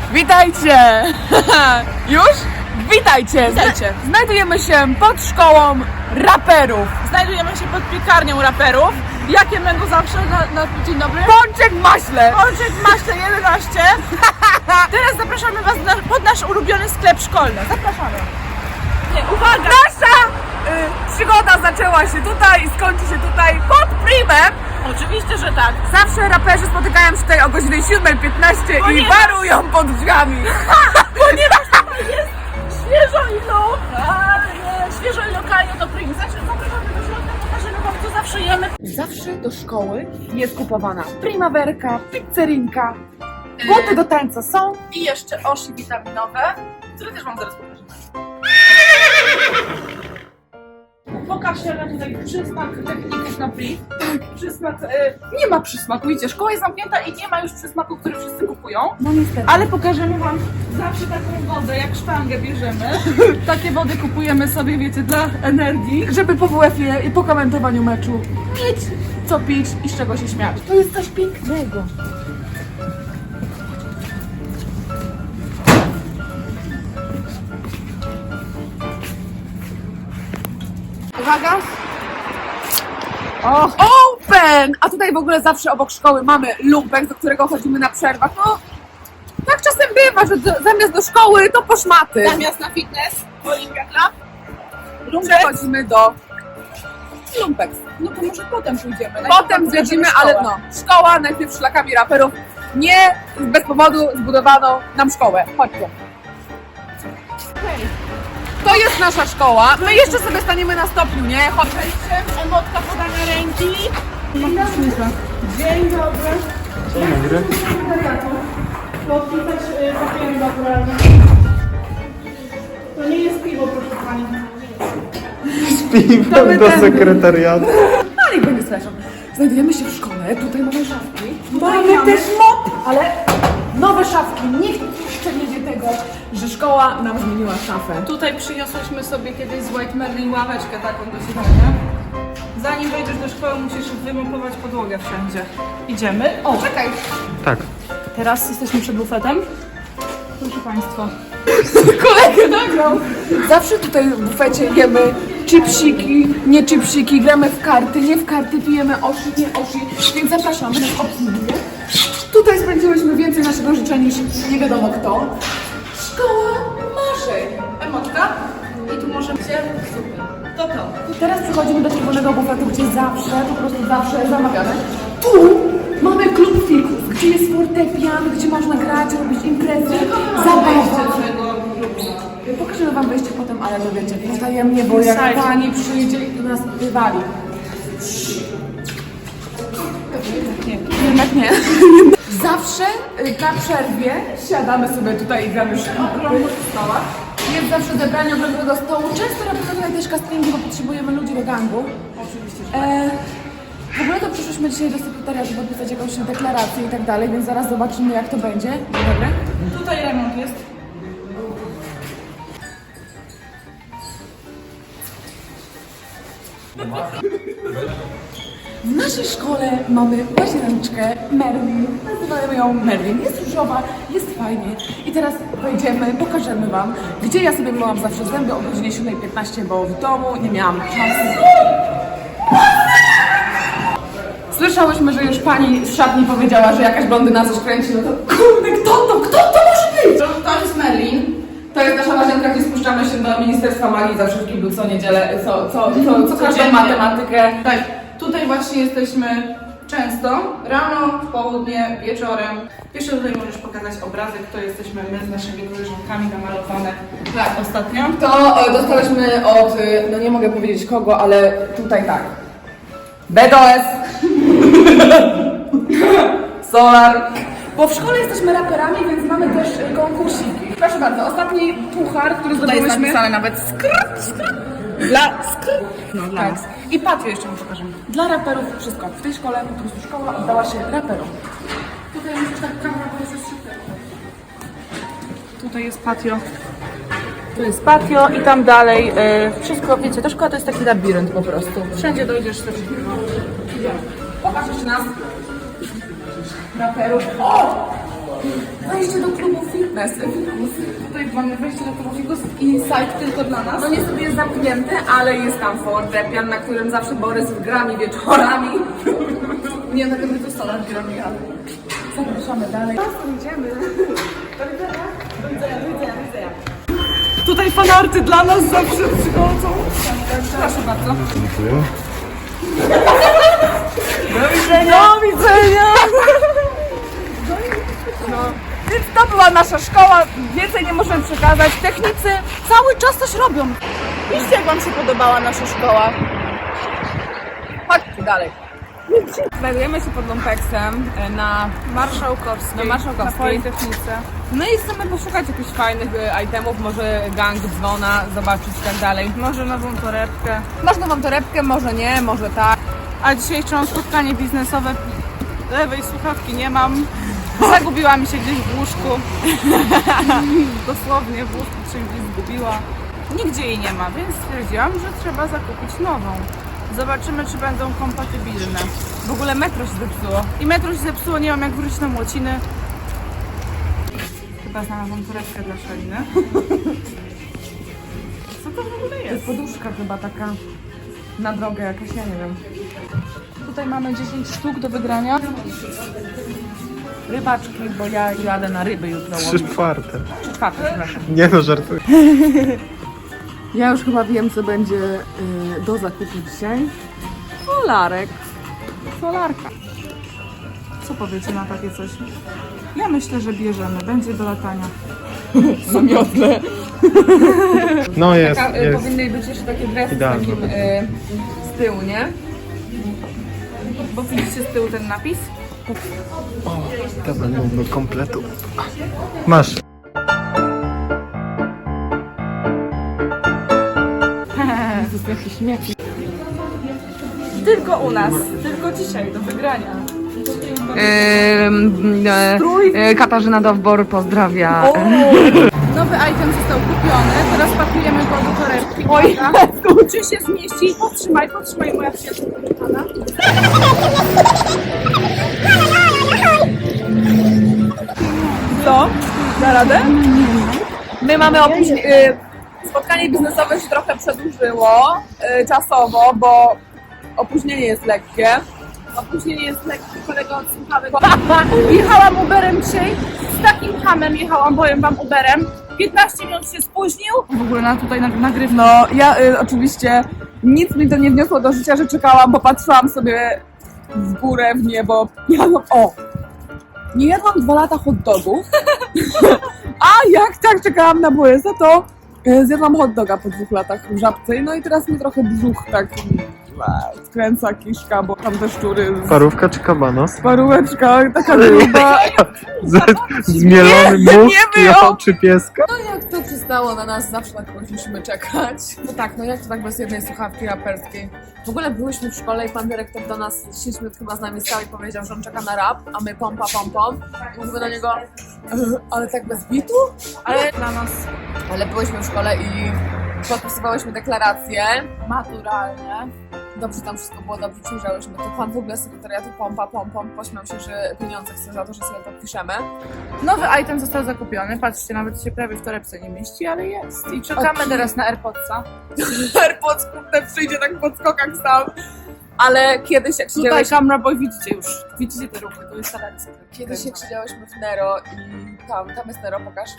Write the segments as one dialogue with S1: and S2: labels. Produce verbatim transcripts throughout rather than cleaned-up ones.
S1: Witajcie! Już? Witajcie!
S2: Witajcie.
S1: Znajdujemy się pod szkołą raperów.
S2: Znajdujemy się pod piekarnią raperów. Jakie będą zawsze na, na dzień dobry?
S1: Pączek maśle!
S2: Pączek Maśle jedenaście. Teraz zapraszamy Was na, pod nasz ulubiony sklep szkolny. Zapraszamy. Nie, uwaga!
S1: Nasza y, przygoda zaczęła się tutaj i skończy się tutaj pod primem.
S2: Oczywiście, że tak.
S1: Zawsze raperzy spotykają się tutaj o godzinie siódma piętnaście i
S2: Ponieważ-
S1: warują pod drzwiami.
S2: Ponieważ tutaj jest świeżo i lokalnie. Świeżo i lokalnie to prim. Znaczy, zapraszamy do środka, pokażemy Wam, co zawsze jemy.
S1: Zawsze do szkoły jest kupowana primawerka, pizzerinka, buty do tańca są.
S2: I jeszcze osi witaminowe, które też Wam zaraz pokażemy. Pokaż się tutaj przysmak techników na priv. Przysmak, e, nie ma przysmaku, widzicie, szkoła jest zamknięta i nie ma już przysmaku, który wszyscy kupują.
S1: No niestety.
S2: Ale pokażemy Wam zawsze taką wodę, jak sztangę bierzemy. Takie wody kupujemy sobie, wiecie, dla energii.
S1: Żeby po W F-ie i po komentowaniu meczu mieć co pić i z czego się śmiać. To jest coś pięknego. Uwaga! O, open! A tutaj w ogóle zawsze obok szkoły mamy lumpek, do którego chodzimy na przerwach. No, tak czasem bywa, że do, zamiast do szkoły to po szmaty.
S2: Zamiast na fitness, Olimpia Club.
S1: Przechodzimy do lumpek.
S2: No to może potem pójdziemy.
S1: Potem zwiedzimy, ale no, szkoła najpierw szlakami raperów. Nie bez powodu zbudowano nam szkołę. Chodźcie. To jest nasza szkoła. My jeszcze sobie staniemy na stopniu, nie? Chodźcie.
S2: Emotka podania ręki. Dzień dobry.
S3: Dzień dobry.
S2: Podpisać papiery naturalne. To nie jest piwo, proszę Pani.
S3: Z piwem do sekretariatu.
S1: No niech będzie słyszą. Znajdujemy się w szkole, tutaj mamy szafki.
S2: Mamy
S1: Mamy też mop, ale nowe szafki. Nikt jeszcze nie wie tego, że szkoła nam zmieniła szafę.
S2: Tutaj przyniosłyśmy sobie kiedyś z White Merlin ławeczkę taką do siedzenia. Zanim wejdziesz do szkoły, musisz wymopować podłogę wszędzie. Idziemy. O,
S1: Czekaj.
S3: Tak.
S2: teraz jesteśmy przed bufetem. Proszę Państwa.
S1: Kolegę nagrał. Zawsze tutaj w bufecie jemy chipsiki, nie chipsiki, gramy w karty, nie w karty, pijemy oshi, nie oshi, więc zapraszamy na obsługę. Tutaj spędziłyśmy więcej naszego życia niż nie wiadomo kto. Szkoła marzeń.
S2: Emotka. I tu możemy się... Super. To to.
S1: Teraz przechodzimy do czerwonego bufetu, gdzie zawsze, po prostu zawsze zamawiamy. Tu mamy klub fików, gdzie jest fortepian, gdzie można grać, robić imprezy, zabawa. Pokażemy wam wejście potem, ale to wiecie, potajemnie, bo jak
S2: Słuchajcie.
S1: pani przyjdzie i do nas wywali. Jednak nie. Zawsze y, na przerwie siadamy sobie tutaj i gramy już okrągłych stołach. Jest zawsze zebranie okrągłego stołu. Często robimy tutaj też castingi, bo potrzebujemy ludzi do gangu.
S2: Oczywiście.
S1: E, w ogóle to przyszliśmy dzisiaj do sekretariatu podpisać jakąś deklarację i tak dalej, więc zaraz zobaczymy jak to będzie. Dobra?
S2: Tutaj remont jest.
S1: W naszej szkole mamy łazieneczkę Merlin. Nazywamy ją Merlin. Jest różowa, jest fajnie. I teraz wejdziemy, pokażemy wam, gdzie ja sobie myłam zawsze zęby o godzinie siódma piętnaście, bo w domu nie miałam czasu. Słyszałyśmy, że już pani z szatni powiedziała, że jakaś blondyna coś kręci, no to kurde, kto to, kto to może być?
S2: To, to jest Merlin.
S1: To jest nasza łazienka, gdzie spuszczamy się do Ministerstwa Magii zawsze w kiblu co niedzielę, co, co, co, co każdą
S2: Codziennie.
S1: matematykę.
S2: Tak, tutaj właśnie jesteśmy często, rano, w południe, wieczorem. Jeszcze tutaj możesz pokazać obrazek, to jesteśmy my z naszymi koleżankami namalowane tak, ostatnio.
S1: To e, dostałyśmy od, e, no nie mogę powiedzieć kogo, ale tutaj tak. B D O S. Solar. Bo w szkole jesteśmy raperami, więc mamy też e, konkursiki. Proszę bardzo, ostatni puchar, który
S2: Tutaj jest
S1: zdobyłyśmy.
S2: napisane nawet skr, skr, dla skr. No, dla
S1: Tak.
S2: nas. I patio jeszcze mu pokażemy.
S1: Dla raperów wszystko. W tej szkole po prostu szkoła oddała się raperom. Tutaj już tak kamera, bo jest super.
S2: Tutaj jest patio. Tu jest patio i tam dalej e, wszystko, wiecie, ta szkoła to jest taki labirynt po prostu. Wszędzie dojdziesz do wszystkiego.
S1: Pokaż jeszcze nas. Raperów. O! Wejście do klubu film. Mesy.
S2: Tutaj mamy wejście do tego figus inside tylko dla nas.
S1: No niestety jest zamknięty, ale jest tam fortepian, na którym zawsze Borys grami wieczorami.
S2: Nie, tak jakby to stolar grami, ale zapraszamy dalej.
S1: Idziemy.
S2: Tutaj fanarty dla nas zawsze przychodzą. Proszę bardzo.
S3: Dziękuję.
S1: Do widzenia! Do widzenia! No, więc to była nasza szkoła, więcej nie możemy przekazać. Technicy cały czas coś robią. Piszcie, jak wam się podobała nasza szkoła. Chodźcie dalej. Znajdujemy się pod Lumpeksem na
S2: Marszałkowskiej.
S1: Na Marszałkowskiej.
S2: Na Politechnice.
S1: No i chcemy poszukać jakichś fajnych e, itemów, może gang, dzwona, zobaczyć i tak dalej.
S2: Może nową torebkę.
S1: Można wam torebkę, może nie, może tak.
S2: A dzisiaj jeszcze mam spotkanie biznesowe. Lewej słuchawki nie mam. Zagubiła mi się gdzieś w łóżku. Dosłownie w łóżku się gdzieś zgubiła. Nigdzie jej nie ma, więc stwierdziłam, że trzeba zakupić nową. Zobaczymy, czy będą kompatybilne.
S1: W ogóle metro się zepsuło.
S2: I metro się zepsuło, nie mam jak wrócić na Młociny. Chyba znalazłam torebkę dla Szeliny. Co to w ogóle
S1: To jest
S2: jest?
S1: poduszka chyba taka na drogę jakaś, ja nie wiem.
S2: Tutaj mamy dziesięć sztuk do wygrania.
S1: Rybaczki, bo ja jadę na ryby jutro
S3: Trzy
S1: łowić.
S3: czwarte.
S1: Trzy czwarte, przepraszam.
S3: Nie no, żartuję.
S1: Ja już chyba wiem, co będzie y, do zakupu dzisiaj. Solarek.
S2: Solarka. Co powiecie na takie coś? Ja myślę, że bierzemy. Będzie do latania.
S1: Na miotle.
S3: No jest,
S1: Taka, y,
S3: jest.
S1: powinny być jeszcze takie dresy z
S3: Idealne.
S1: takim y, z tyłu, nie?
S2: Bo widzicie z tyłu ten napis?
S3: O, to będą do kompletu. Masz.
S1: To są jakieś śmieci.
S2: Tylko u nas. Tylko dzisiaj do wygrania.
S1: Yy, Katarzyna Dowbor pozdrawia.
S2: Nowy item został kupiony. Teraz pakujemy go do torebki.
S1: Oj,
S2: Czy się zmieści? Podtrzymaj, podtrzymaj moja przyjaciółka kochana.
S1: co? Da radę? My mamy opóźnienie. Spotkanie biznesowe się trochę przedłużyło y, czasowo, bo opóźnienie jest lekkie.
S2: Opóźnienie jest lekkie, kolego od słuchawek. Jechałam Uberem dzisiaj. Z takim hamem jechałam, powiem wam, Uberem. piętnaście minut się spóźnił. W ogóle na tutaj nagrywam.
S1: No, ja y, oczywiście nic mi to nie wniosło do życia, że czekałam, bo patrzyłam sobie w górę, w niebo. Jadłam, o! Nie jadłam dwa lata hot dogów, a jak tak czekałam na Borysa, to y, zjadłam hot doga po dwóch latach w Żabce. No i teraz mi trochę brzuch tak e, skręca kiszka, bo tam te szczury z
S3: Parówka czy kabanos?
S1: paróweczka, taka gruba.
S3: Z, zmielony
S1: Nie,
S3: mózg
S1: nie
S3: i
S1: było.
S3: oczy pieska?
S1: No jak to przystało na nas, zawsze na kogoś musimy czekać. No tak, no jak to tak bez jednej słuchawki raperskiej? W ogóle byłyśmy w szkole i pan dyrektor do nas siedem minut chyba z nami stał i powiedział, że on czeka na rap, a my pompa, pom, pom. I mówimy do niego, "E, ale tak bez bitu?
S2: Ale dla nas
S1: Ale byłyśmy w szkole i podpisywałyśmy deklaracje.
S2: maturalnie.
S1: Dobrze, tam wszystko było dobrze, przyjrzałyśmy. To pan w ogóle z sekretariatu pompa, pom, pom pośmiał się, że pieniądze chce za to, że sobie to piszemy.
S2: Nowy item został zakupiony. Patrzcie, nawet się prawie w torebce nie mieści, ale jest. I czekamy
S1: Okej.
S2: teraz na AirPodsa.
S1: AirPods kurde przyjdzie tak po skokach sam. Ale kiedyś jak
S2: Tutaj
S1: siedziałyśmy,
S2: camera boy widzicie już. Widzicie te ruchy, to jest talencja.
S1: kiedyś jak siedziałyśmy w Nero i tam, tam jest Nero, pokaż.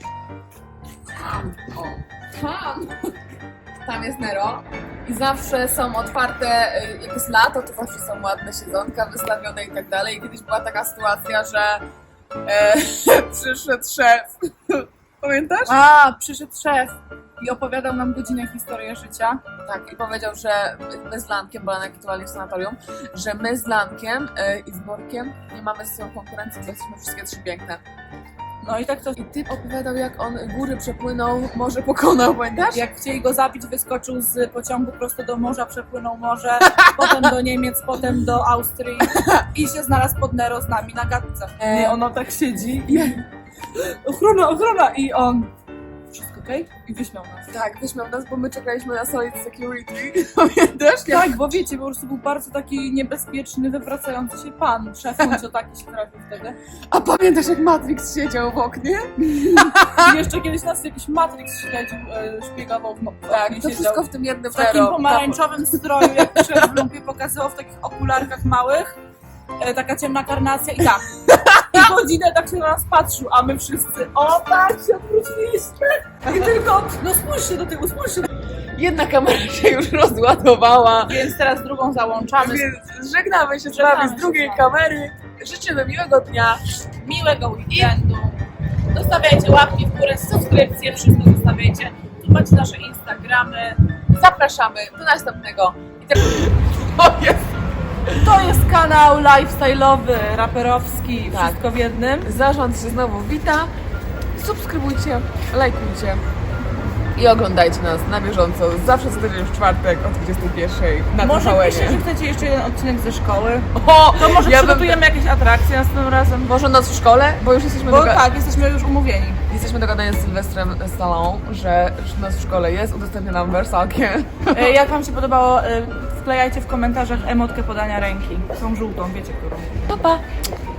S1: O, tam. Tam jest Nero i zawsze są otwarte, y, jak jest lato, to zawsze są ładne siedzonka wystawione i tak dalej. I kiedyś była taka sytuacja, że e, przyszedł szef. Pamiętasz?
S2: A, przyszedł szef i opowiadał nam godzinę historię życia.
S1: Tak, i powiedział, że my z Lankiem, bo Lanek aktualnie w sanatorium, że my z Lankiem y, i z Borkiem nie mamy ze sobą konkurencji, bo jesteśmy wszystkie trzy piękne.
S2: No i tak to,
S1: I typ opowiadał, jak on góry przepłynął, morze pokonał, pamiętasz?
S2: jak chcieli go zabić, wyskoczył z pociągu prosto do morza, przepłynął morze, potem do Niemiec, potem do Austrii i się znalazł pod Nero z nami na gadce.
S1: E,
S2: I ono tak siedzi i ochrona, ochrona i on... Wszystko okej? I wyśmiał nas.
S1: Tak, wyśmiał nas, bo my czekaliśmy na Solid Security. Pamiętasz?
S2: Tak, bo wiecie, po prostu był bardzo taki niebezpieczny, wywracający się pan. Szefun, co taki się trafił wtedy.
S1: A pamiętasz, jak Matrix siedział w oknie?
S2: I jeszcze kiedyś nas jakiś Matrix śledził, e, szpiegował w no,
S1: Tak,
S2: oknie
S1: to
S2: siedział.
S1: wszystko w tym jednym
S2: W takim
S1: Vero.
S2: pomarańczowym stroju, jak szedł w lumpie, pokazywał w takich okularkach małych, e, taka ciemna karnacja i tak. I godzinę tak się na nas patrzył, a my wszyscy, o tak, się odwróciliśmy. I tylko, no spójrzcie do tyłu, spójrzcie.
S1: Jedna kamera się już rozładowała.
S2: Więc teraz drugą załączamy.
S1: Więc żegnamy się z
S2: Żegnamy
S1: wami
S2: się
S1: z drugiej
S2: z wami.
S1: kamery. Życzymy miłego dnia.
S2: Miłego weekendu. Zostawiajcie łapki w górę, subskrypcje, wszystko zostawiajcie. Tu macie nasze Instagramy.
S1: Zapraszamy do następnego. I teraz... O jest!
S2: To jest kanał lifestyle'owy, raperowski,
S1: Tak.
S2: wszystko w jednym.
S1: Zarząd się znowu wita. Subskrybujcie, lajkujcie i oglądajcie nas na bieżąco. Zawsze co tydzień w czwartek o dwudziestej pierwszej na
S2: Może
S1: T V N.
S2: piszcie, że chcecie jeszcze jeden odcinek ze szkoły.
S1: O,
S2: To może
S1: ja bym...
S2: przygotujemy jakieś atrakcje następnym razem.
S1: Może noc w szkole, bo już jesteśmy,
S2: Bo
S1: doga...
S2: tak, jesteśmy już umówieni.
S1: jesteśmy dogadani z Sylwestrem Stallone, że noc w szkole jest, udostępnia nam wersalkę.
S2: E, Jak wam się podobało, e, wklejajcie w komentarzach emotkę podania ręki. Tą żółtą, wiecie którą.
S1: Pa, pa!